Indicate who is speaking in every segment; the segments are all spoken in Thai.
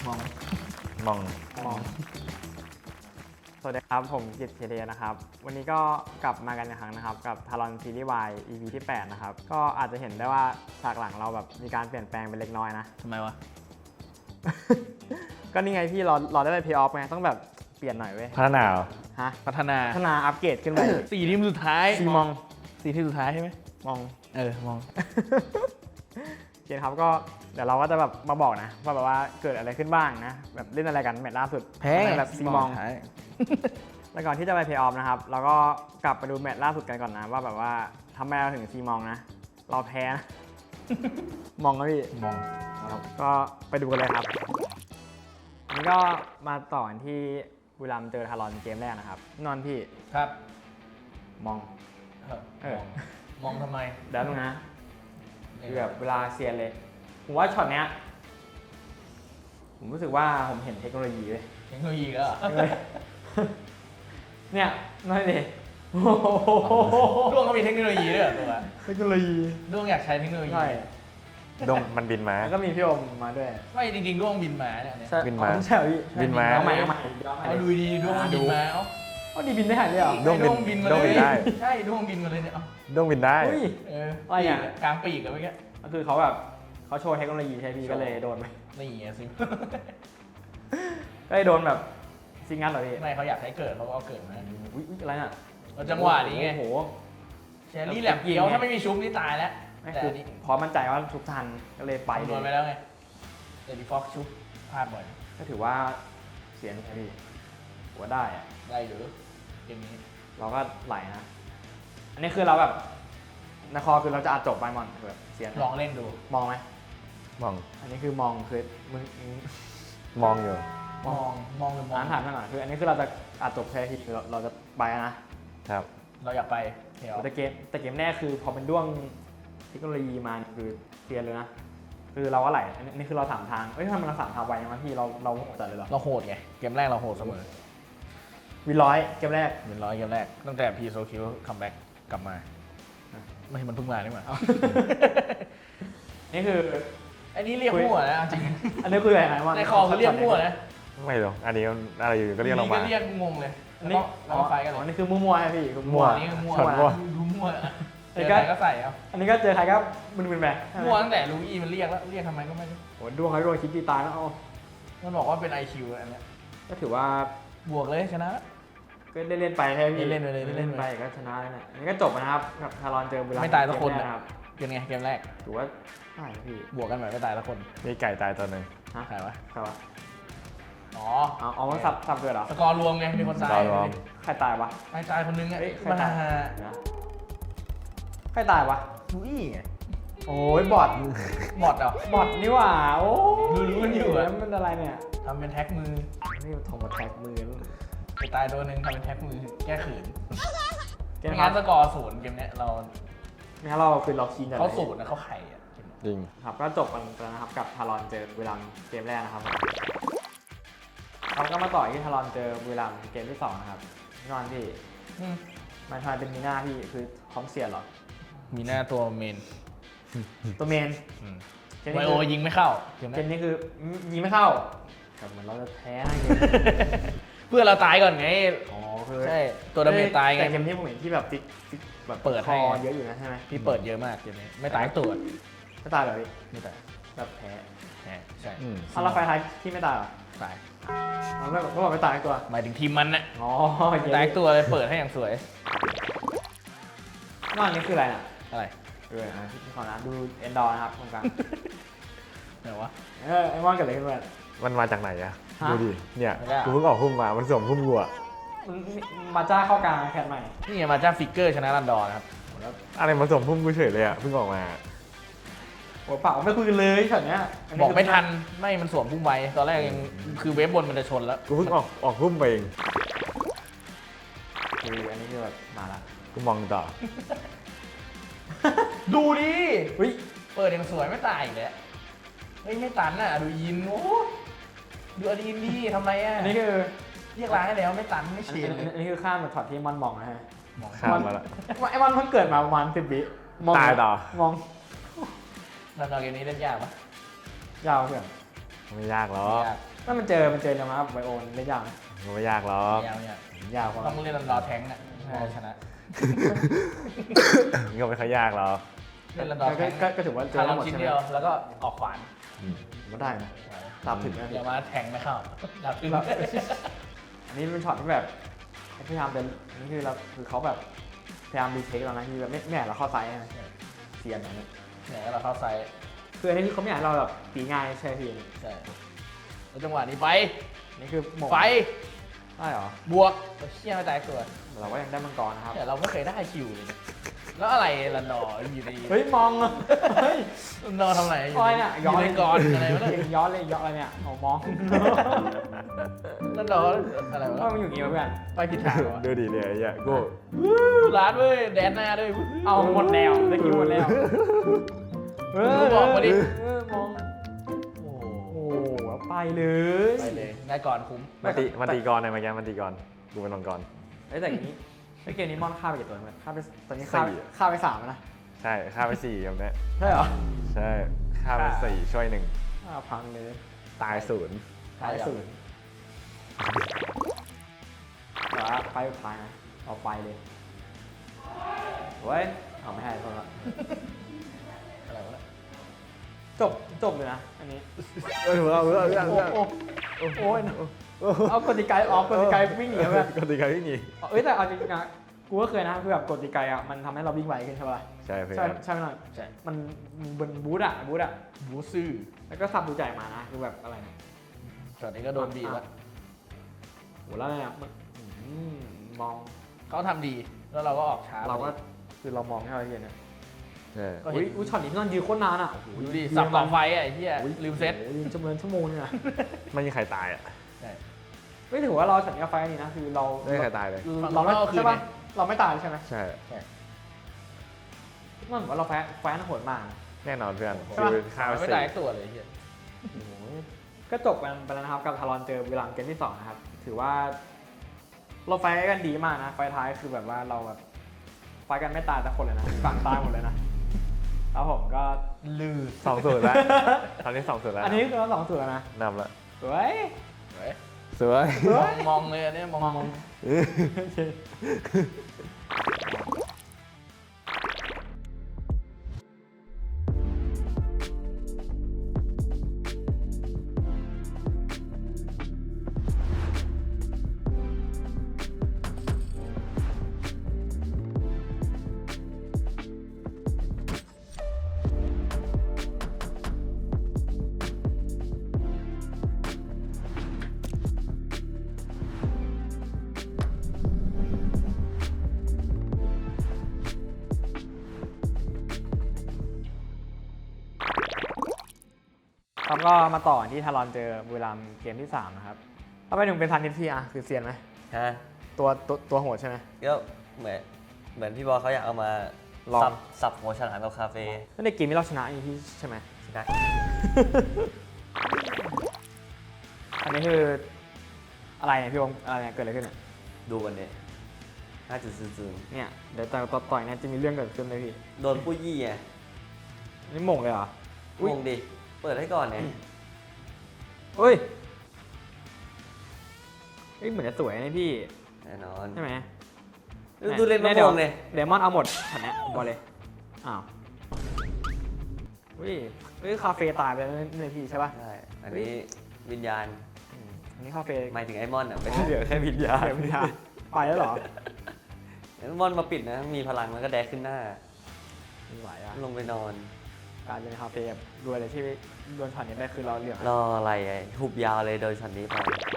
Speaker 1: มอง
Speaker 2: มอง
Speaker 1: มองสวัสดีครับผมกิตเทเดนะครับวันนี้ก็กลับมากันอีกครั้งนะครับกับทารอนซีรีส์ Y EP ที่ 8 นะครับก็อาจจะเห็นได้ว่าฉากหลังเราแบบมีการเปลี่ยนแปลงไปเล็กน้อยนะ
Speaker 3: ทำไมวะ
Speaker 1: ก็นี่ไงพี่เราได้ไปเพย์ออฟไงต้องแบบเปลี่ยนหน่อยเว้ย
Speaker 2: พัฒนาเหรอ
Speaker 1: ฮะ
Speaker 3: พัฒนา
Speaker 1: พัฒนาอัปเกรดขึ้นไป
Speaker 3: 4 ทีมสุดท้าย
Speaker 1: ซีมอง
Speaker 3: 4 ทีมสุดท้ายใช่ไหม
Speaker 1: มอง
Speaker 3: มอง
Speaker 1: โอเคครับก็เดี๋ยวเราก็จะแบบมาบอกนะว่าแบบว่าเกิดอะไรขึ้นบ้างนะแบบเล่นอะไรกันแมตช์ล่าสุด
Speaker 3: แพ้ไง
Speaker 1: แบบซีมอง
Speaker 3: ท้าย
Speaker 1: แล้วก่อนที่จะไปเพย์ออฟนะครับเราก็กลับไปดูแมตช์ล่าสุดกันก่อนนะว่าแบบว่าทำไมเราถึงซีมองนะเราแพ้นะ มองนะพี่
Speaker 3: มอง
Speaker 1: ครับก็ไปดูกันเลยครับอันนี้ก็มาต่อกันที่บุรีรัมย์เจอทารอนเกมแรกนะครับนอนพี่
Speaker 3: ครับ
Speaker 1: มอง
Speaker 3: มองทำไม
Speaker 1: เดี๋ยวนึงนะคือแบบเวลาเซียนเลยผมว่าช็อตเนี้ยผมรู้สึกว่าผมเห็นเทคโนโลยีเลย
Speaker 3: เทคโนโลยีก็
Speaker 1: เนี่ยนั่นดิโอ้โห
Speaker 3: ด้วงก็มีเทคโนโลยีด้วยเหรอตัว
Speaker 1: เทคโนโลยี
Speaker 3: ด้วงอยากใช้เทคโนโลยี
Speaker 1: ใช่
Speaker 2: ดงมันบินมา
Speaker 1: แล้วก็มีพี่อมมาด้วย
Speaker 3: ไม่จริงๆด้วงบินมาเนี่ย
Speaker 2: บินมา
Speaker 1: ใช่พี่
Speaker 2: บินมา
Speaker 1: เอาใหม่เอาใหม่ย้อนใหม่
Speaker 3: เอาดูดีด้วงมันบินมาเอ้า
Speaker 1: เอาดีบินได้หายเลยเหรอ
Speaker 2: ด้วงบิน
Speaker 3: บินมา
Speaker 2: ด้วงบิน
Speaker 3: เลย
Speaker 2: ได้
Speaker 3: ใช่ด้วงบินมาเลยเนี่ยเอ้า
Speaker 2: ดงบินได้
Speaker 1: อุ้ย อะไรอ่ะ
Speaker 3: กลางปีกกันเมื่อกี้
Speaker 1: ก็คือเขาแบบเขาโชว์เทคโนโลยีใช่พี่ก็เลยโดนไป
Speaker 3: นี่ไงสิ
Speaker 1: ก็เลยโดนแบบซิงงันเหรอพี่
Speaker 3: ไม่เขาอยากให้เกิดเขาก็เอาเกิดมา
Speaker 1: อุ้ยอะไรน่ะ
Speaker 3: เอาจังหวะนี้ไง
Speaker 1: โอ้โห
Speaker 3: แชรี่แหลมเกียวถ้าไม่มีชุบนี่ตายแล้ว
Speaker 1: ไม่
Speaker 3: แต่
Speaker 1: คือ
Speaker 3: อันนี้
Speaker 1: พอมั่นใจว่าทุกทันก็เลยไป
Speaker 3: คำน
Speaker 1: เล
Speaker 3: วณไป
Speaker 1: ย
Speaker 3: แล้วไงแต่ดีฟ็อกชุบพลาดบ่อย
Speaker 1: ก็ถือว่าเสียงใช่พี่หัวได้อะ
Speaker 3: ได้หรือเกมนี้
Speaker 1: เราก็ไหลนะ อันนี้คือเราแบบในคอคือเราจะอัดจบไปมอนแบบเสียง
Speaker 3: ลองเล่นดู
Speaker 1: มองไหม
Speaker 2: มอง
Speaker 1: อันนี้คือมองคือมึง
Speaker 2: มองอยู่
Speaker 3: มองหรือมอง
Speaker 1: อ่านถามหน่อยคืออันนี้คือเราจะอัดจบแค่ทีเราจะไปนะครับ
Speaker 3: เราอยากไปเที่ยว
Speaker 1: แต่เกมแรกคือพอเป็นด้วงเทคโนโลยีมาคือเสียเลยนะคือเราก็ไหลอันนี้คือเราถามทางเอ้ยทำไมเราถามทางไวยังไงพี่เราจัดเลยเหรอ
Speaker 3: เราโหดไง เกมแรกเราโหดเสมอ
Speaker 1: วินร้อยเกมแรก
Speaker 3: เป็นร้อยเกมแรก ตั้งแต่พีโซคิวคัมแบ็กกลับมา ไม่มันเพิ่งมานี่หว่า
Speaker 1: นี่คือ
Speaker 3: อันนี้เรียกมั่วนะจริง
Speaker 1: อันนี้คืออะไรนะว่า
Speaker 3: ในคอเขาเรียกมั่วนะ
Speaker 2: ไม่หรอกอันนี้อะไรอยู่ก็เรียกเรา
Speaker 3: นี่
Speaker 2: มา
Speaker 3: ก็เรียกงงเลย
Speaker 1: อันนี้
Speaker 3: แล้วก็ไฟกันเล
Speaker 1: อั
Speaker 3: ย
Speaker 1: นนี้คือมั่วๆใช่พี่คือ
Speaker 2: มั่ว
Speaker 3: อันนี้ก็มั่ว
Speaker 2: ช็อตมั่ว
Speaker 3: ดูมั่ว
Speaker 1: อัน
Speaker 3: เจ
Speaker 1: นี้
Speaker 3: อ
Speaker 1: ก็
Speaker 3: ใครก็ใส่เอา
Speaker 1: อันนี้ก็เจอใครก็มึนๆไป
Speaker 3: มั่วตั้งแต่ลูอี้มันเรียกแล้ว เรียกทำไมก็ไม่รู้
Speaker 1: โหดวงเขาโดนคิดตีตายแล้วเอา
Speaker 3: มันบอกว่าเป็น IQ อันเนี้ย
Speaker 1: ก็ถือว่า
Speaker 3: บวกเลยชนะ
Speaker 1: ก็เล่นๆไปใช่ไหมพี่
Speaker 3: เล่นๆไปเลย
Speaker 1: เล่นๆไปก็ชนะแล้วเนี่ยอันนี้ก็จบนะครับกับทารอนเจอบุรีรัมย์
Speaker 3: ไม่ตายสักคน
Speaker 1: เกมแร
Speaker 3: นะ
Speaker 1: ครับ
Speaker 3: เป็นไงเกมแรก
Speaker 1: ถือว่าใช่พี่
Speaker 3: บวกกันแบบไม่ตายละคน
Speaker 2: มีไก่ตายตัวหนึ่ง
Speaker 1: ฮะ
Speaker 3: ใครวะ
Speaker 1: ใครวะ
Speaker 3: อ๋อ
Speaker 1: เอามันสับเกิดเหรอ
Speaker 3: สกอร์รวมไง มีคนตาย
Speaker 1: ใครตายวะ
Speaker 3: ตายคนนึงอ่ะ
Speaker 1: เอ้ยใคร
Speaker 3: มา
Speaker 1: ตายนะใครตายวะ
Speaker 3: ลูอี้ไง
Speaker 1: โอ้ยบอท
Speaker 3: บอดเหรอบ
Speaker 1: อทนี่หว่าโอ้
Speaker 3: รู้กันอยู่อะ
Speaker 1: แล้วมันอะไรเนี่ย
Speaker 3: ทำเป็นแท็กมือ
Speaker 1: นี่โทรมาแท็กมือ
Speaker 3: ไปตายตัวหนึ่งทำเป็นแท็กมือ แก้ขืน
Speaker 1: เกม
Speaker 3: ไม่
Speaker 1: ครั
Speaker 3: งั้
Speaker 1: บ
Speaker 3: นสกอร์ศูนย์เกมเนี้ยเรา
Speaker 1: งั้นเราคือเราคีนกัน
Speaker 3: เขาศูนย์นะเขาไข่อะ
Speaker 2: จริง
Speaker 1: ครับก็จบกันแล้วนะครับกับทารอนเจอบุรีรัมย์เกมแรกนะครับเราก็มาต่อที่ทารอนเจอบุรีรัมย์เกมที่2นะครับนอนพี่
Speaker 3: อืม
Speaker 1: มันทายเป็นมีหน้าพี่คือพร้อมเสียเหรอ
Speaker 3: มีหน้าตัวเมน
Speaker 1: ตัวเมน เกม
Speaker 3: ไว
Speaker 1: นี้
Speaker 3: โอ
Speaker 1: คือ
Speaker 3: ยิงไม่เข้าเกม
Speaker 1: เก
Speaker 3: นี้
Speaker 1: มนี้คือยิงไม่เข้าแต่เหมือนเราจะแพ้นะเกม
Speaker 3: เพื่อเราตายก่อนไง
Speaker 1: อ๋อคือ
Speaker 3: ใช่ ตัวดาเมจตายไง
Speaker 1: แต่เกมนี้ผมเห็นที่แบบติ๊กแบบ
Speaker 3: เปิด
Speaker 1: ค
Speaker 3: ให้
Speaker 1: อเยอะอยู่นะใช่ไหม
Speaker 3: พี่เปิดเยอะมากเกมนี้ ไม่ตายตัว
Speaker 1: ไม่ตายเหรอพี่
Speaker 3: ไม่ตาย
Speaker 1: แบบแพ้
Speaker 3: แหมใช่
Speaker 2: อืม
Speaker 1: เอาแล้วไฟท้ายที่ไม่ตายเหรอ
Speaker 3: ตาย
Speaker 1: เราไม่บอกไม่ตายตัว
Speaker 3: หมายถึงทีมมันนะ
Speaker 1: อ๋อ
Speaker 3: ไม่ตายตัวเลยเปิดให้อย่างสวย
Speaker 1: นอกนี้คืออะไรน่ะ
Speaker 3: อะไร
Speaker 1: พี่ขอนะดูเอนดอร์นะครับตรงกลาง
Speaker 3: ไหนวะ
Speaker 1: ไอ้มอนเกิดอะไรขึ้นมา
Speaker 2: มันมาจากไหนอะ
Speaker 1: ฮะ
Speaker 2: ดูดิเนี่ย
Speaker 3: ไม่ได้
Speaker 2: กูเพิ่งออกหุ้มมามันสวมหุ้มกูอะ
Speaker 1: มันมาจ้าเข้ากลางแคทใหม่
Speaker 3: นี่ไงมาจ้าฟิกเกอร์ชนะรันดอร์นะครับ
Speaker 2: อะไรมาสวมหุ้มกูเฉยเลยอะเพิ่งออกมา
Speaker 1: โอ้เปล่าไม่คุยกันเลยช็อตเนี้ยนนี้
Speaker 3: บอกไม่ทัน ไม่มันสวมพุ่งไวตอนแรกยังคือเวฟบนมันจะชนแล้ว
Speaker 2: กูเพิ่งออกหุ้มไปเอง
Speaker 1: คืออันนี้คือแบบมาละ
Speaker 2: กูมองต่อ
Speaker 3: ดูดิ
Speaker 1: เฮ้ย
Speaker 3: เปิดอย่างสวยไม่ตายอีกแล้วเฮ้ยไม่ตันอ่ะดูยินโอ้ดูอดีนดีทำไมอ่ะ
Speaker 1: อันนี้คือ
Speaker 3: เรียกร้านให้แล้วไม่ตันไม่
Speaker 1: อัน
Speaker 3: เฉี
Speaker 1: นี้
Speaker 3: ยน
Speaker 1: อันนี้คือข้ามมาช็อตที่มอนมองนะฮะ
Speaker 2: ข้ามมาละ
Speaker 1: ไอ้มอนเพิ่งเกิดมาประมาณ10 วิมอง
Speaker 2: ตายต่อ
Speaker 1: มอง
Speaker 3: รันดอร์เกมนี้เล่นยากปะ
Speaker 1: ยาวเพื่อน
Speaker 2: ไม่ยากหรอก
Speaker 3: ยาก
Speaker 1: ถ้ามันเจอเร็วนะครับไบโอนเล่นยากไหม
Speaker 2: มันไม่ยากหรอก
Speaker 3: ยาวเนี่ย
Speaker 1: ยากกว่า
Speaker 3: ต้องเล่นรอแทงค์น่ะพอชนะ
Speaker 2: มันก็ไม่ค่อยยากหรอก
Speaker 3: เล่นรอแทงค์
Speaker 1: ก็ถือว่าเจ
Speaker 3: คา
Speaker 1: อ
Speaker 3: ร์ล
Speaker 1: หมด
Speaker 3: ชิ้น
Speaker 1: ใช่ไหม
Speaker 3: เดียวแล้วก็ออกขวาน
Speaker 1: ก็ได้นะตามถึงนะ
Speaker 3: เดี๋ยวมาแทงไม่เข้าดับถึง
Speaker 1: อันนี้เป็นช็อตที่แบบพยายามเป็นอันนี้คือเราคือเขาแบบพยายามรีเทคเรานะคือแบบไม่อยากเราเข้าไซส์นะเสียนอย่างนี้
Speaker 3: เนี่ยเราเข้าไซส์
Speaker 1: คืออันนี้คือเขาไม่อยากให้เราแบบตีง่ายใช่พี่
Speaker 3: ใช่แล้วจังหวะนี้ไป
Speaker 1: นี่คือหมก
Speaker 3: ไฟ
Speaker 1: ได้เหรอ
Speaker 3: บวกเชี่ยไม่ตายตัว
Speaker 1: เราก็ยังได้มังกรนะครับ
Speaker 3: แต่เราไม่เคยได้คิวเลยนะแล้วอะไรละนออยู่ใน
Speaker 1: เฮ้ยมองอะเฮ้ย
Speaker 3: ละนอทำอะไรอยู่
Speaker 1: อะไร
Speaker 3: ใน
Speaker 1: เนี่ย
Speaker 3: อยู่ในกรอะไรวะเนี่ย
Speaker 1: ย้อนเลยย้อนอะไรเนี่ยเอามอง
Speaker 3: ละนออะไรวะ
Speaker 1: ว่ามันอยู่อย่างงี้วะเพื่อน
Speaker 3: ไปผิดทางเหรอ
Speaker 2: ดูดิเนี่ยไอ้เหี้ยกู
Speaker 3: ร้านเว้ยแดนหน้าด้วย
Speaker 1: เอาหมดแล้วได้คิวหมดแล้วมอง
Speaker 3: โอ้
Speaker 1: โอ้โหแล้วไปเลย
Speaker 3: ไปเลยได้ก่อนคุ้ม
Speaker 2: มันตีก่อนเลยมาแกมันตีก่อนกูเป็นมังกร
Speaker 1: เอ้ยแต่อย่างนี้ไอ้เกมนี้มอนฆ่าไปกี่ตัวเนี่ยฆ่าไปตอนนี้
Speaker 2: สี่
Speaker 1: ฆ่าไป3แล้วนะ
Speaker 2: ใช่ฆ่าไป4แบบเนี้ย
Speaker 1: ใช่เหรอ
Speaker 2: ใช่ฆ่าไป4ช่วย1
Speaker 1: ฆ่าพังเลย
Speaker 2: ตาย0
Speaker 1: ตายศูนย์แต่ว่าไปสุดท้ายนะเอาไปเลยเว้ยเอาไม่ให้คนละ
Speaker 3: อะไรวะเนี่ย
Speaker 1: จบเลยนะอันนี้
Speaker 2: เอา
Speaker 1: โอ้ยเอากดติไกออกกดติไกวิ่งหนีแบบ
Speaker 2: ก็ตีกันที่นี่
Speaker 1: เอ้ยแต่เอาจริงๆนะกูก็เคยนะคือแบบกดติไกอ่ะมันทำให้เราวิ่งไวขึ้นใช่ป่ะ
Speaker 2: ใช่เพื่อ
Speaker 1: ใช่
Speaker 2: น
Speaker 1: ใช่ไหมหน่อย
Speaker 3: ใช่
Speaker 1: มันบนบูธอ่ะ
Speaker 3: บูซื่อ
Speaker 1: แล้วก็สับดูใจมานะคือแบบอะไรเนี่ย
Speaker 3: ตอนนี้ก็โดนบีบแล้ว
Speaker 1: โหแล้วเนี่ยมันมอง
Speaker 3: เขาทำดีแล้วเราก็ออกช้า
Speaker 1: เราก็คือเรามองแค่เราเห็นเนี่ย
Speaker 2: ใช่
Speaker 3: ก็
Speaker 1: อุ้
Speaker 3: เห็
Speaker 1: ย
Speaker 3: น
Speaker 1: อุ้ยช็อตนี้พี่นอนยืนโคตรนานอ่ะ
Speaker 3: ดูดิสับต่อไฟอ่ะไอ้เหี้ยลืมเซ็ต
Speaker 1: โอ้โหยืนจำนวนชั่วโมงนึงอ่ะ
Speaker 2: ไม่มีใครตายอ่ะ
Speaker 3: ใช่
Speaker 1: ไม่ถือว่าเราช็อตนี้ไฟนี่นะคือเรา
Speaker 2: ไม่มีใครตายเลย
Speaker 1: เราไม่
Speaker 3: ฝั่งเราก็คือ
Speaker 1: ใช่ป่ะเราไม่ตายใช่ไหม
Speaker 2: ใช่
Speaker 1: มันเหมือนว่าเราแฟนโหดมาก
Speaker 2: แน่นอนเพื่อน
Speaker 1: ใช่ปะ
Speaker 2: คือฆ่าไป
Speaker 3: ไม่ตายตัวเลยไอ้เหี้ย
Speaker 1: ก็จบกันไปแล้วนะครับกับทารอนเจอบุรีรัมย์เกมที่2นะครับถือว่าเราไฟกันดีมากนะไฟท้ายคือแบบว่าเราแบบไฟกันไม่ตายแต่คนเลยนะฝั่งตายหมดเลยนะแล้วผมก็
Speaker 3: ลือ
Speaker 2: 2-0แล้วตอนนี้2-0แล้ว
Speaker 1: อันนี้คือเรา2-0แล้วนะ
Speaker 2: นำละ
Speaker 1: สวย
Speaker 3: เว้ย
Speaker 2: สวย
Speaker 3: มองเลยอันเนี้ยมอง
Speaker 1: ครับก็มาต่อที่ทารอนเจอบุรีรัมย์เกมที่3นะครับถ้าไปถึงเป็นทันนิทีอ่ะคือเซียนไหม
Speaker 4: ฮะ
Speaker 1: ตัวโหดใช่ไหม
Speaker 4: ก็เหมือนพี่บอลเขาอยากเอามา
Speaker 1: ลอง
Speaker 4: สับหัวฉลามกับคาเฟ่
Speaker 1: แล้วในเกมที่เราชนะอีที่ใช่ไหม
Speaker 4: ชนะ
Speaker 1: อันนี้คืออะไรเนี่ยพี่วงอะไรเนี่ยเกิดอะไรขึ้นเนี่ย
Speaker 4: ดูกันเนี่ย5.00
Speaker 1: เนี่ยเดี๋ยวต่อยเนี่ยจะมีเรื่องเกิดขึ้นเลยพี่
Speaker 4: โดนปุ้ยยี่ไง
Speaker 1: นี่หม่งเลยเหรอ อุ๊ย
Speaker 4: งงดิ เปิดให้ก่อนเนี่ย
Speaker 1: เฮ้ยเหมือนจะสวยนะพี่
Speaker 4: แน่นอน
Speaker 1: ใช่ไหม
Speaker 4: ดูเล่นมะ
Speaker 1: ดี๋
Speaker 4: ม่
Speaker 1: ยว
Speaker 4: งเลย
Speaker 1: เดมอนเอาหมดฉันเนี้ยบอกเลยอ้าวเฮ้ยคาเฟ่ตายไปแล้วเนี่ยพี่ใช่ป่ะ
Speaker 4: ใช่ อันนี้วิญญาณ
Speaker 1: อันนี้คาเฟ่
Speaker 4: หมายถึงไอมอนอ่ะไม่
Speaker 2: เหลือแค่วิญญาณ
Speaker 1: เดี๋ยวพี่ฮะไปแล้วเหรอ
Speaker 4: ไอมอนมาปิดนะ มีพลังมันก็แดกขึ้นหน้า
Speaker 1: ไม่ไหวอ่ะ
Speaker 4: ลงไปนอน
Speaker 1: การเป็นคาเฟ่แบบรวยเลยที่โดนช็อตนี้ได้คือเราเหลือง
Speaker 4: รออะไรไอ้หุบยาวเลยโดยช็อตนี้ไป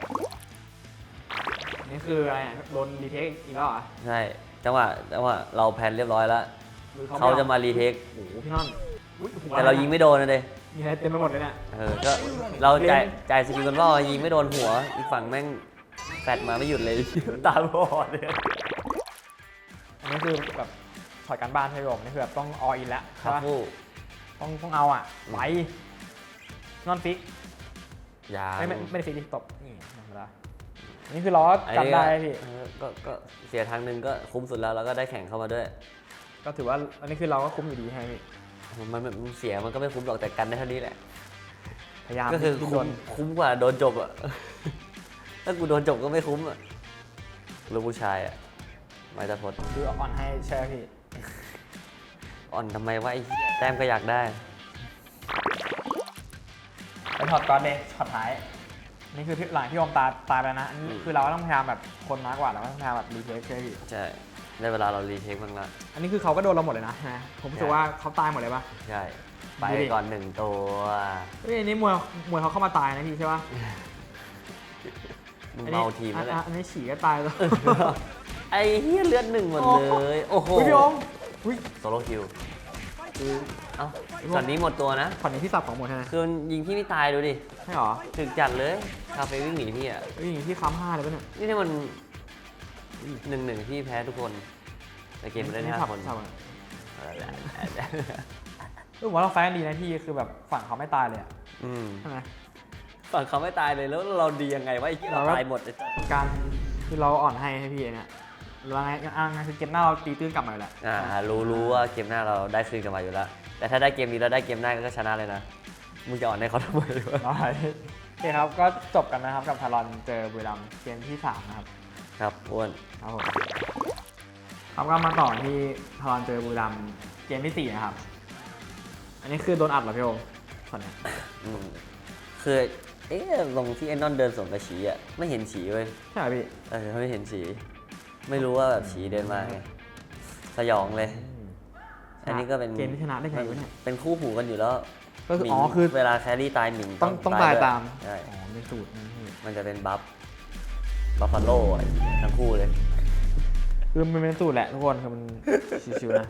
Speaker 1: นี่คืออะไรอ่ะโดนรีเทคอีกแล้วเหรอ
Speaker 4: ใช่ จังหวะเราแพลนเรียบร้อยแล้ว
Speaker 1: คือ
Speaker 4: เขาจะมารีเทค
Speaker 1: โอ้โหพี่น้องอุ๊ยหัว
Speaker 4: แต่เรายิงไม่โดนนะเด้
Speaker 1: มีอะไรเต็มไปหมดเลยเนี่ย
Speaker 4: ก็เราจ่ายสกิลกันว่ายิงไม่โดนหัว อีกฝั่งแม่งแฟดมาไม่หยุดเลย ตาบอดเลย
Speaker 1: อันนี้คือแบบถอดการบ้านให้ผมนี่คือแบบต้องออินแล้ว
Speaker 4: ครั
Speaker 1: ใช่
Speaker 4: บ
Speaker 1: ปะ
Speaker 4: ผู้
Speaker 1: ต้องเอาอ่ะไหวนอนฟิก
Speaker 4: ยาง
Speaker 1: ไม่ได้ฟิกดิตบนี่ธรรมดาอันนี้คือล้อกันได้พี่
Speaker 4: ก็เสียทางหนึ่งก็คุ้มสุดแล้วแล้วก็ได้แข่งเข้ามาด้วย
Speaker 1: ก็ถือว่าอันนี้คือเราก็คุ้มอยู่ดีให้พี่
Speaker 4: มันเสียมันก็ไม่คุ้มหรอกแต่กันได้เท่านี้แหละ
Speaker 1: ถพยายาม
Speaker 4: ก็คือ
Speaker 1: ดิ้น
Speaker 4: คุ้
Speaker 1: ร
Speaker 4: ม
Speaker 1: น
Speaker 4: คุ้มกว่าโดนจบอ่ะ ถ้ากูโดนจบก็ไม่คุ้มอ่ะลูกผู้ชายอ่ะไม่ตะพด
Speaker 1: คืออ่อนให้ใช่ไหมพี่
Speaker 4: อ่อนทำไมวะไอ้เหี้ยแต้มก็อยากได้
Speaker 1: ไปถอดก่อนเลยช็อตท้ายนี่คือหลังที่โอมตายไปนะอันนี้คือเราก็ต้องพยายามแบบคนน้อยกว่าเราก็ต้องพยายามแบบรีเทคใช่ไหมพี่
Speaker 4: ใช่ได้เวลาเรารีเทคบ้างละ
Speaker 1: อันนี้คือเขาก็โดนเราหมดเลยนะใช่ไหมผมรู้สึกว่าเขาตายหมดเลยปะ
Speaker 4: ใช่ ไป
Speaker 1: ดูดิ
Speaker 4: ก่อนหนึ่งตัว
Speaker 1: เฮ้ยอันนี้มวยเขาเข้ามาตายนะพี่ใช่ปะ
Speaker 4: มึง
Speaker 1: อันนี้
Speaker 4: เมาทีมแล้วแหละ
Speaker 1: อันนี้ฉี่ก็ตายแล้ว
Speaker 4: ไอ้เหี้ยเลือดหนึ่งหมดเลย โอ้โห
Speaker 1: อุ๊ยพี่โอมอุ้ย
Speaker 4: โซโลคิวเอ้าช็อตนี้หมดตัวนะ
Speaker 1: ขอนนี้พี่สับของหมดใช่ไหม
Speaker 4: คือมันยิงพี่ไม่ตายดูดิ
Speaker 1: ใช่หรอ
Speaker 4: ถึกจัดเลยคาเฟ่วิ่งหนีพี่อ่ะ
Speaker 1: เฮ้ยอย่างที่ค้ำ5เลยปะเนี่ย
Speaker 4: นี่ถ้ามัน1-1พี่แพ้ทุกคนแต่เกมมันได้5 คน
Speaker 1: สับอะผมว่าเราไฟท์กันดีนะพี่คือแบบฝั่งเขาไม่ตายเลยอะ
Speaker 4: อืม
Speaker 1: ใช่ไหม
Speaker 4: ฝั่งเขาไม่ตายเลยแล้วเราดียังไงวะไอ้ที่เรา
Speaker 1: เราก็
Speaker 4: ตายหมดเลย
Speaker 1: การคือเราอ่อนให้พี่เนี่ยแล้วไงคือเกมหน้าเราตีตื้นกลับมาอยู่แล้ว
Speaker 4: รู้ว่าเกมหน้าเราได้คืนกลันมาอยู่แล้ว แต่ถ้าได้เกมนี้แล้วได้เกมหน้าก็ชนะเลยนะ มึงจะอ่อนให้เขาทำไมวะ
Speaker 1: ได้โอเคครับก็จบกันนะครับกับทารอนเจอบุรีรัมย์เกมที่3นะครับ
Speaker 4: ครับอ้วน
Speaker 1: ครับผมครับก็มาต่อที่ทารอนเจอบุรีรัมย์เกมที่4นะครับอันนี้คือโดนอัดเหรอพี่โอมตอนเนี้ย
Speaker 4: อืมคือตรงที่ไอ้นอนเดินสวนกับฉีอ่ะไม่เห็นฉีเว้ย
Speaker 1: ใช่ไหมพี่
Speaker 4: เขาไม่เห็นฉีไม่รู้ว่าแบบฉีเดินมาไงสยองเลย อันนี้ก็เป็น
Speaker 1: เกมที่ชนะได้ไงวะเนี่ย
Speaker 4: เป็นคู่หูกันอยู่แล้ว
Speaker 1: ก็คือ
Speaker 4: หมิง
Speaker 1: อ๋อคือ
Speaker 4: เวลาแครี่ตายหมิง
Speaker 1: ต้องตาย
Speaker 4: ด้วย
Speaker 1: ตาม
Speaker 4: ใช่
Speaker 1: อ๋อเป็นสูตรนะพี่
Speaker 4: มันจะเป็นบัฟฟาโลทั้งคู่เลย
Speaker 1: คือมันเป็นสูตรแหละทุกคนคือมัน ชิวๆนะ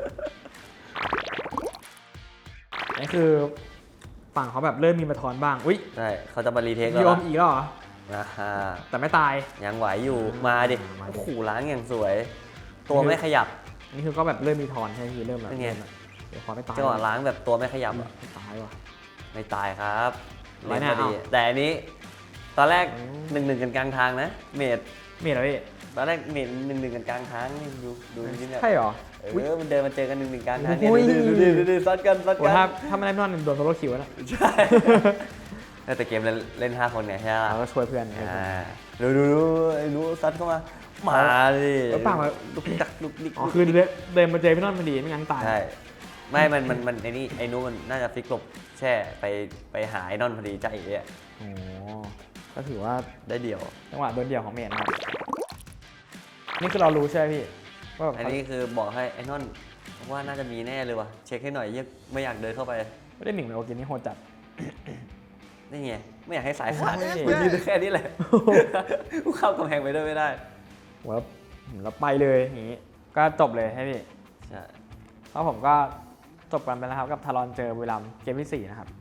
Speaker 1: นี่คือฝั่งเขาแบบเริ่มมีมาทอนบ้างอุ้ย
Speaker 4: ใช่เขาจะมารีเทคแล้
Speaker 1: พี่
Speaker 4: ว
Speaker 1: โอมอีกแล้วเหรอ
Speaker 4: นะฮะ
Speaker 1: แต่ไม่ตาย
Speaker 4: ยังไหวอยู่มาดิ
Speaker 1: มาดิ
Speaker 4: โอ้โหล้างอย่างสวย ตัวไม่ขยับ
Speaker 1: อันนี้คือก็แบบเริ่มมีทอนใช่ไหมพี่เริ่มแบบ
Speaker 4: เป็นไง
Speaker 1: เดี๋ยวขอไม่ตาย
Speaker 4: จังหวะล้างแบบตัวไม่ขยับอะ
Speaker 1: ไม่ตายว่ะ
Speaker 4: ไม่ตายครับ
Speaker 1: ร้อย
Speaker 4: เล่น
Speaker 1: แน่
Speaker 4: พอดี
Speaker 1: เอา
Speaker 4: แต่อันนี้ ตอนแรก
Speaker 1: อืม
Speaker 4: 1-1กันกลางทางนะ เมด
Speaker 1: มีเหรอพี่
Speaker 4: ตอนแรกเมด1-1กันกลางทางนี่ดูนี่เนี่ย
Speaker 1: ใช่เหรอ
Speaker 4: มันเดินมาเจอกัน1-1กลางทางเนี่ย
Speaker 1: อุ้ย
Speaker 4: ดูซัดกัน
Speaker 1: โอ้ถ้าไม่ได้นอนโดนโซโล่คิวแล้วนะ
Speaker 4: ใช่แต่เกมเล่น5 คนไงใช่ไหม
Speaker 1: เราก็ช่วยเพื่อนไง
Speaker 4: ดูไอ้หนูซัดเข้ามามาดิ
Speaker 1: แล้วปากมา
Speaker 4: ลุกดักลุกดิก
Speaker 1: อ๋อคือเดินมาเจอพี่นอนพอดีไม่งั้นตาย
Speaker 4: ใช่ไม่มันไอ้นี่ไอ้นู้นมันน่าจะฟิกหลบแช่ไปหาไอ้นอนพอดีใจเอ่ะ
Speaker 1: โอ้ก็ถือว่า
Speaker 4: ได้เดี่ยว
Speaker 1: จังหวะโดนเดี่ยวของเมดนะครับนี่คือเรารู้ใช่ไหมพี่ว่าแบบ
Speaker 4: อันนี้คือบอกให้ไอ้นอนว่าน่าจะมีแน่เลยว่ะเช็คให้หน่อยยังไม่อยากเดินเข้าไป
Speaker 1: ไม่ได้หมิ่งเลยโอเคนี่โหดจัด
Speaker 4: นี่ไงไม่อยากให้สายขาด
Speaker 1: โอ้ย
Speaker 4: มันยืนแค่นี้แหละกูเข้ากำแพงไปด้วยไม่ได้
Speaker 1: แล้วไปเลยอย่างนี้ก็จบเลยให้พี่
Speaker 4: ใช่
Speaker 1: แล้วผมก็จบกันไปแล้วครับกับทารอนเจอบุรีรัมย์เกมที่ 4 นะครับ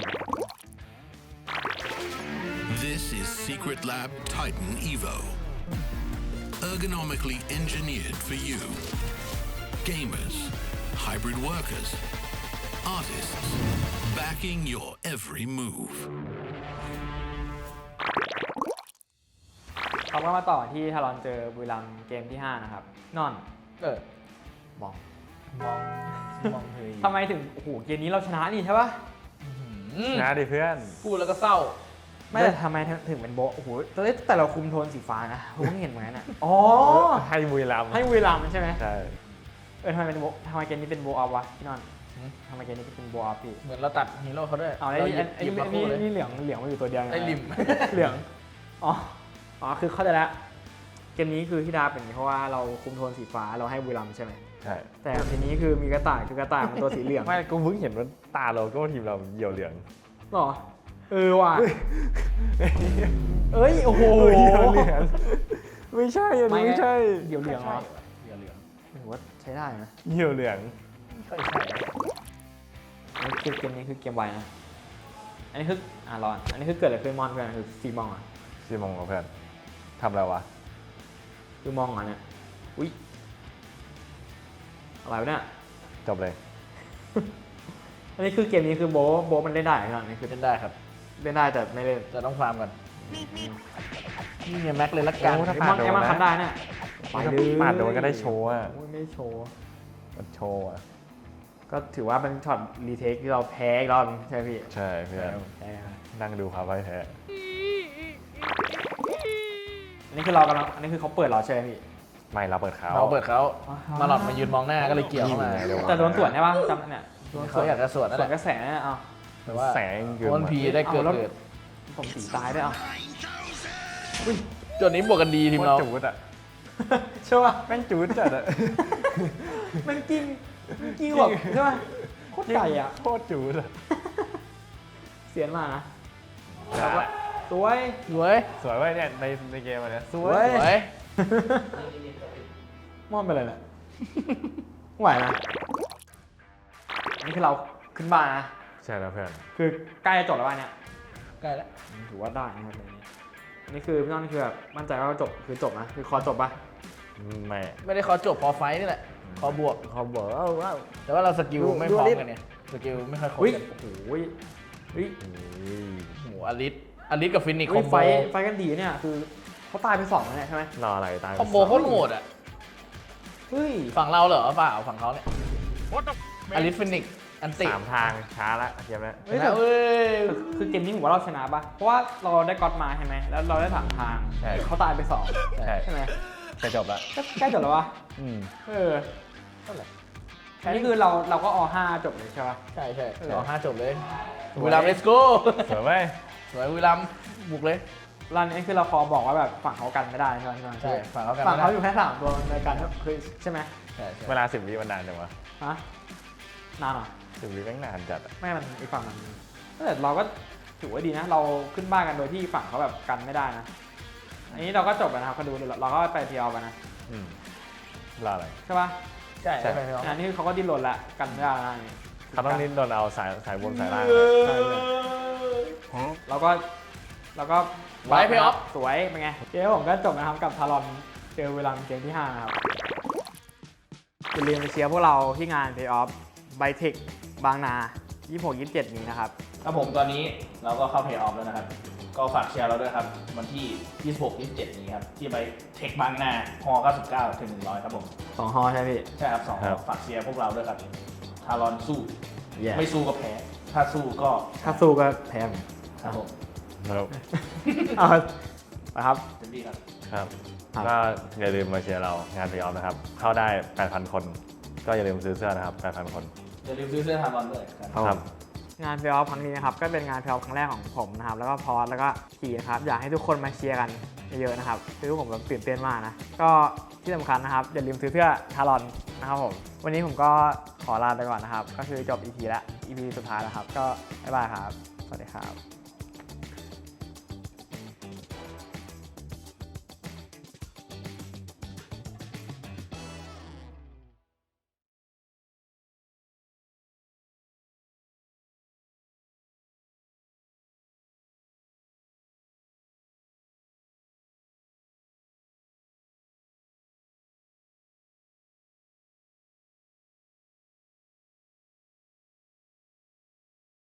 Speaker 5: This is Secret Lab Titan Evo. Ergonomically engineered for you. Gamers, hybrid workers, artists, backing your every move.
Speaker 1: เขาก็มาต่อที่ทารอนเจอบุรีรัมย์เกมที่ 5 นะครับ นอนมอง
Speaker 3: มองเฮ้ย
Speaker 1: ทำไมถึงโอ้โหเกมนี้เราชนะนี่ใช่ปะ
Speaker 2: ชนะดิเพื่อน
Speaker 3: พูดแล้วก็เศร้า
Speaker 1: ไม่แต่ทำไมถึงเป็นโบะโอ้โหแต่เราคุมโทนสีฟ้านะผมเพิ่งเห็นเหมือนกันอ่ะอ๋อ
Speaker 2: ให้บุรีรัมย์
Speaker 1: ให้บุรีรัมย์ใช่ไหม
Speaker 2: ใช่
Speaker 1: ทำไมเป็นโบะทำไไมเกมนี้เป็นโบอัพวะพี่นอนทำไมเกมนี้เป็นโบอัพพี่
Speaker 3: เหมือนเราตัดฮีโร่เขาด้วย
Speaker 1: เอาไอ้
Speaker 3: เรา
Speaker 1: นี่
Speaker 3: หยิบมาคู่เลย
Speaker 1: นี่เหลืองมาอยู่ตัวเดียวนะ
Speaker 3: ไอ้ลิม
Speaker 1: เหลืองอ๋อคือเข้าใจแล้วเกมนี้คือที่ดาเป็นอย่างนี้เพราะว่าเราคุมโทนสีฟ้าเราให้บุรีรัมย์ใช่ไหม
Speaker 2: ใช่
Speaker 1: แต่ทีนี้คือมีกระต่ายคือกระต่ายมันตัวสีเหลือง
Speaker 2: ไม่กูเพิ่งเห็นว่าตาโลโก้ทีมเราเหี่ยวเหลือง
Speaker 1: หรอว่ะเอ้ยโอ้โห
Speaker 2: เหี่ยวเหลืองไม่ใช่อันนี้ไม่ใช่
Speaker 1: เหี่ยวเหลืองเหรอ
Speaker 3: เหลืองเหลือง
Speaker 1: ถือว่าใช้ได้นะ
Speaker 2: เหี่ยวเหลือง
Speaker 3: ไม่ค่อยใช่
Speaker 1: อันนี้คือเกมนี้คือเกมไวนะอันนี้คือรอนอันนี้คือเกิดอะไรขึ้นมอนเพื่อนคือซีมองอ่ะ
Speaker 2: ซีมองกับเพื่อนทำอะไรวะ
Speaker 1: คือมองอ่ะเนี่ยอุ้ยอะไรวะเนี่ย
Speaker 2: จบเลย
Speaker 1: อันนี้คือเกมนี้คือโบมันเล่นได้ใช่ไหมอันนี้คือ
Speaker 3: เล่นได้ครับ
Speaker 1: เล่นได้แต่ไม่เล่น
Speaker 3: จะต้องฟาร์มกันนี่ไงแม็กเลยละกัน
Speaker 2: โอ้ถ้า
Speaker 1: ไอ้มอนไอ้มอนทำได้เนี่ยไปเลย
Speaker 2: ปาดโดนก็ได้โชว์อ่ะ
Speaker 1: โอ้ยไม่ได้โชว์
Speaker 2: มันโชว์อ่ะ
Speaker 1: ก็ถือว่าเป็นช็อตรีเทคที่เราแพ้อีกรอบนึงใช่ไหมพี่
Speaker 2: ใช่เพื่อน
Speaker 1: แพ้ครับ
Speaker 2: นั่งดูความพ่ายแพ้
Speaker 1: อันนี้คือเรากำลังอันนี้คือเขาเปิดเราใช่ไหมพี่
Speaker 2: ไม่เราเปิดเขา
Speaker 3: เราเปิดเขามาหลอดมายืนมองหน้าก็เลยเกี่ยวเข้ามา
Speaker 2: ยิงไงเดี๋ยว
Speaker 1: แต่โดนสวนใช่ปะจำเนี่ยโดนส
Speaker 3: เขา
Speaker 1: วน
Speaker 3: อยากจะสวนนั่น
Speaker 1: ส
Speaker 3: แห
Speaker 1: วน
Speaker 3: ละ
Speaker 1: กระแสเนี่ยเอา
Speaker 3: แต่ว่า
Speaker 2: แสงเกิน
Speaker 3: วันพีได้เกิด
Speaker 1: เอาแล้ว
Speaker 3: เกิด
Speaker 1: ผมสีตายด้วยเอา
Speaker 3: จนนี้บวกกันดีทีม
Speaker 2: โคต
Speaker 3: เรา
Speaker 2: รจูดอ่ะ
Speaker 1: ใช่ปะ
Speaker 2: แม่งจูดจัดอ่ะ
Speaker 1: มันกินแบบใช่ปะโคตรไก่อ่ะ
Speaker 2: โคตรจูดอ่ะ
Speaker 1: เสียนมากนะแล้วก็สวย
Speaker 3: สวย
Speaker 2: สวยเว้ยเนี่ยในเกมอันเนี้ยส
Speaker 1: ส
Speaker 2: ว
Speaker 1: วย
Speaker 2: ย
Speaker 3: สวย
Speaker 1: ม่อนไปเลยแหละไหวนะอันนี้คือเราขึ้นบ้านนะ
Speaker 2: ใช่แล้วเพื่อน
Speaker 1: คือใกล้จะจบแล้วบ้านเนี่ย
Speaker 3: ใกล้แล้ว
Speaker 1: ถือว่าได้นะครับแบบนี้อันนี้คือพี่น้องคือแบบมั่นใจว่าจบคือจบนะคือคอจบปะ
Speaker 2: ไม่
Speaker 3: ไม่ได้ขอจบพอไฟท์นี่แหละพอบวก
Speaker 2: เขาบอกว่า
Speaker 3: แต่ว่าเราสกิล
Speaker 1: ดู
Speaker 3: ไม่
Speaker 1: ดู
Speaker 3: พร้อม
Speaker 1: อลิส
Speaker 3: กันเนี่ยสกิลไม่ค่อยครบ
Speaker 1: อุ้ย
Speaker 3: กัน
Speaker 1: โอ้โหเฮ้ย
Speaker 3: โอ้โหอลิสกับฟินิกค
Speaker 1: เฮ้
Speaker 3: อย มโบ
Speaker 1: ไฟกันดีเนี่ยคือเขาตายไป2แล้วเนี่ยใช่ไหม
Speaker 2: รออะไรตาย
Speaker 3: คอมโบโคตรโหดอ่ะ
Speaker 1: เฮ้ย
Speaker 3: ฝั่งเราเหรอเปล่าฝั่งเขาเนี่ยอลิสฟินิกอันติ
Speaker 2: 3 ทางช้าละเกมแล้ว
Speaker 1: เฮ้ย
Speaker 3: นะเว้ย
Speaker 1: คือเกมนี้ผมว่าเราชนะปะเพราะว่าเราได้ก๊อตมาใช่ไหมแล้วเราได้ถามทาง
Speaker 2: ใช่
Speaker 1: เขาตายไป2
Speaker 2: ใช่
Speaker 1: ใช่ไหม
Speaker 2: จะจบละ
Speaker 1: ก็ใกล้จบแล้ววะ
Speaker 2: อืม
Speaker 1: เอออันนี้คือเราก็อ5จบเลยใช่ปะ
Speaker 3: ใช่ใช่
Speaker 1: เออ
Speaker 3: เดี๋ยว5จบเลย
Speaker 1: สวย
Speaker 3: วิลัมเลสโก้
Speaker 2: สวยเว้ย
Speaker 3: สวยวิลัมบุกเลย
Speaker 1: รันนี้คือเราพอบอกว่าแบบฝั่งเขากันไม่ได้ใช่ไหม
Speaker 3: ใช่ฝั่งเขากัน
Speaker 1: ฝั่งเขา
Speaker 3: ไม่ได้
Speaker 1: อยู่แค่3ตัวในการคือใช่ไหม
Speaker 3: ใช่ใช่
Speaker 2: เวลา10 วิมันนานจังวะ
Speaker 1: ฮะนานเหรอ
Speaker 2: 10 วิแม่งนานจัดอะ
Speaker 1: ไม่มันอีกฝั่งมันแต่เราก็ถือว่าดีนะ เราขึ้นบ้านกันโดยที่ฝั่งเขาแบบกันไม่ได้นะ อันนี้เราก็จบแล้วนะครับก็ดูเราก็ไปเทียวกันนะ
Speaker 2: อืมรออะไร
Speaker 1: ใช่ปะ
Speaker 3: ใช่
Speaker 2: ใช่
Speaker 3: ใช่ใช่
Speaker 1: อันนี้เขาก็ดิ้นรนละกันไม่ได้แล้วนะอันนี้
Speaker 2: เขาต้องดิ้นโดนเอาสายบนสายล่าง
Speaker 1: ใช่เลยเราก็
Speaker 3: ไว้เพย์ออฟ
Speaker 1: สวยเป็นไงเกมผมก็จบนะครับกับทารอนเจอเวลาเกมที่ 5 นะครับอย่าลืมไปเชียร์พวกเราที่งาน Pay Off by Tech บางนา 26-27 นี้นะครับ
Speaker 3: ครับผมตอนนี้เราก็เข้าเพย์ออฟแล้วนะครับ ก็ฝากเชียร์เราด้วยครับ วันที่ 26-27 นี้ครับ ที่ไปเทคบางนาฮ99 ถึง 100 ครับผม
Speaker 1: 2 ฮอใช่ไหมพี่
Speaker 3: ใช่ครับ2ฝากเชียร์พวกเราด้วยครับ ทารอนสู้
Speaker 1: Yeah
Speaker 3: ไม่สู้ก็แพ้ ถ้าสู้ก็
Speaker 1: ถ้าสู้ก็แพ้ผม
Speaker 3: ครับผม
Speaker 2: ครับ
Speaker 1: เอาไปครับ
Speaker 3: เต็มที่ครับ
Speaker 2: ครับ
Speaker 1: ครับ
Speaker 2: ก็อย่าลืมมาเชียร์เรางานพรีออฟนะครับ เข้าได้ 8,000 คน ก็อย่าลืมซื้อเสื้อนะครับ 8,000 คน
Speaker 3: อย่าลืมซื้อเสื้อทารอนด้วยครับ
Speaker 2: ครับ
Speaker 1: งานเพลย์ออฟครั้งนี้นะครับก็เป็นงานเพลย์ออฟครั้งแรกของผมนะครับแล้วก็พอสแล้วก็ทีนะครับอยากให้ทุกคนมาเชียร์กันเยอะๆนะครับคือผมแบบตื่นเต้นมากนะก็ที่สำคัญนะครับอย่าลืมซื้อเสื้อทารอนนะครับผมวันนี้ผมก็ขอลาไปก่อนนะครับก็คือจบ EP แล้ว EP สุดท้ายแล้วครับก็บ๊ายบายครับสวัสดีครับ